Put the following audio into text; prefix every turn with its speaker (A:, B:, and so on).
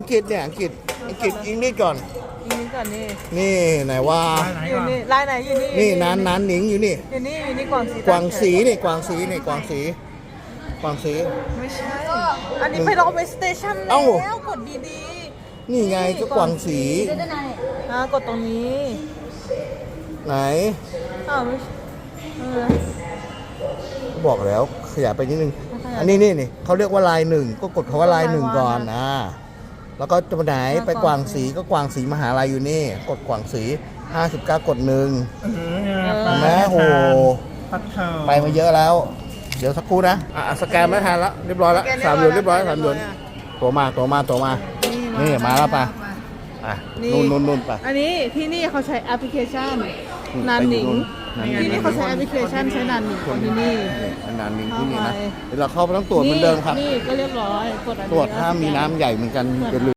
A: อังกฤษเนี่ยอังกฤษอังกฤษอังกฤษก่อน
B: นี่ก่อนนี่
A: นี่ไหนว่า
B: อยู่นี่ลายไหนอยู่นี่
A: นี่นั้นหนิงอยู่นี่
B: อยู่นี่อยู่นี่กวางสี
A: กวางสีนี่กวางสีนี่กวางสีกวางสี
B: ไม่ใช่อันนี้ไปรอเวสสเตชันแล้
A: เอ้า
B: วกดดี
A: นี่ไงก็กวางสี
B: กดตรงนี้
A: ไหน
B: อ้าวไม่ใช่
A: บอกแล้วขยายไปนิดนึงอันนี้นี่เขาเรียกว่าลายหนึ่งก็กดคำว่าลายหนึ่งก่อนแล้วก็จะไปไหนไปกวางสีก็กวางสีมหาลัยอยู่นี่กดกวางสี59กดหนึ่งแม่โหไปมาเยอะแล้ว เดี๋ยวสักครู่นะสแกนไม่ทันแล้วเรียบร้อยแล้ว3 หยวนเรียบร้อย3 หยวนตัวมานี่มาแล้วป่ะนู่นไป
B: อันนี้ที่นี่เขาใช้แอปพลิเคชันนันหนิงที่นี่เขาใช้แอปพลิเคชันใช้นันหนิงคนที่นี่
A: นานนิงที่นี่นะเดี๋ยวเราเข้าไปต้องตรวจเหมือนเดิมครับ
B: นี่ก็เรียบร้อยกดอันนี้
A: ตรวจถ้ามีน้ำใหญ่เหมือนกันอย่าลืม